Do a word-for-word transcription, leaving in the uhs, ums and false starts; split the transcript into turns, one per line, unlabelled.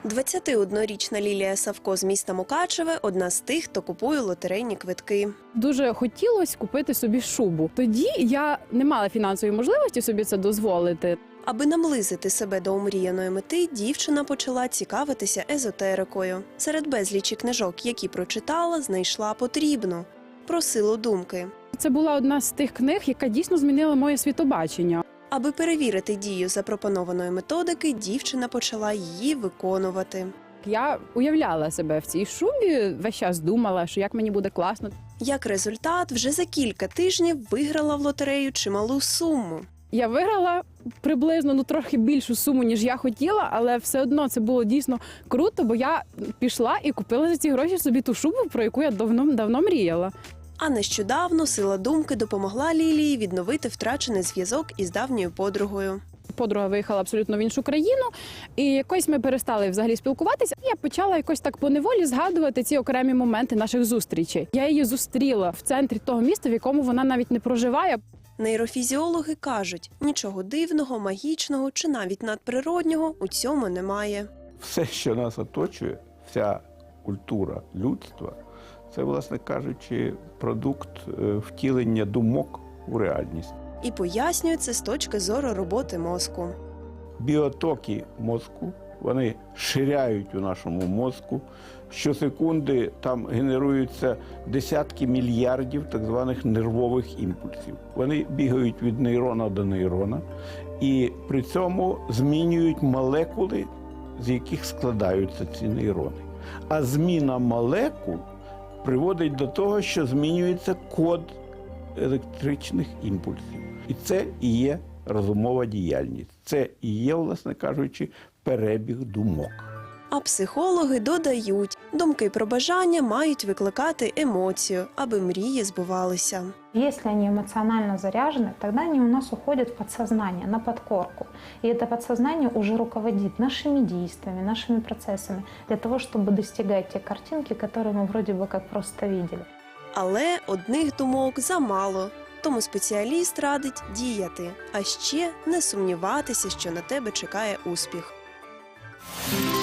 двадцятиоднорічна Лілія Савко з міста Мукачеве – одна з тих, хто купує лотерейні квитки.
Дуже хотілося купити собі шубу. Тоді я не мала фінансової можливості собі це дозволити.
Аби наблизити себе до омріяної мети, дівчина почала цікавитися езотерикою. Серед безлічі книжок, які прочитала, знайшла потрібну – «Про силу думки».
Це була одна з тих книг, яка дійсно змінила моє світобачення.
Аби перевірити дію запропонованої методики, дівчина почала її виконувати.
Я уявляла себе в цій шубі, весь час думала, що як мені буде класно.
Як результат, вже за кілька тижнів виграла в лотерею чималу суму.
Я виграла приблизно ну трохи більшу суму, ніж я хотіла, але все одно це було дійсно круто, бо я пішла і купила за ці гроші собі ту шубу, про яку я давно, давно мріяла.
А нещодавно сила думки допомогла Лілії відновити втрачений зв'язок із давньою подругою.
Подруга виїхала абсолютно в іншу країну, і якось ми перестали взагалі спілкуватися. Я почала якось так поневолі згадувати ці окремі моменти наших зустрічей. Я її зустріла в центрі того міста, в якому вона навіть не проживає.
Нейрофізіологи кажуть, нічого дивного, магічного чи навіть надприроднього у цьому немає.
Все, що нас оточує, вся культура людства, це, власне кажучи, продукт втілення думок у реальність.
І пояснюють це з точки зору роботи мозку.
Біотоки мозку, вони ширяють у нашому мозку. Щосекунди там генеруються десятки мільярдів так званих нервових імпульсів. Вони бігають від нейрона до нейрона і при цьому змінюють молекули, з яких складаються ці нейрони. А зміна молекул приводить до того, що змінюється код електричних імпульсів. І це і є розумова діяльність. Це і є, власне кажучи, перебіг думок.
А психологи додають, думки про бажання мають викликати емоцію, аби мрії збувалися.
Если они эмоционально заряжены, тогда они у нас уходят в подсознание, на подкорку. И это подсознание уже руководит нашими действиями, нашими процессами, для того, чтобы достигать те картинки, которые мы вроде бы как просто видели.
Але одних думок замало, тому спеціаліст радить діяти, а ще не сумніватися, що на тебе чекає успіх.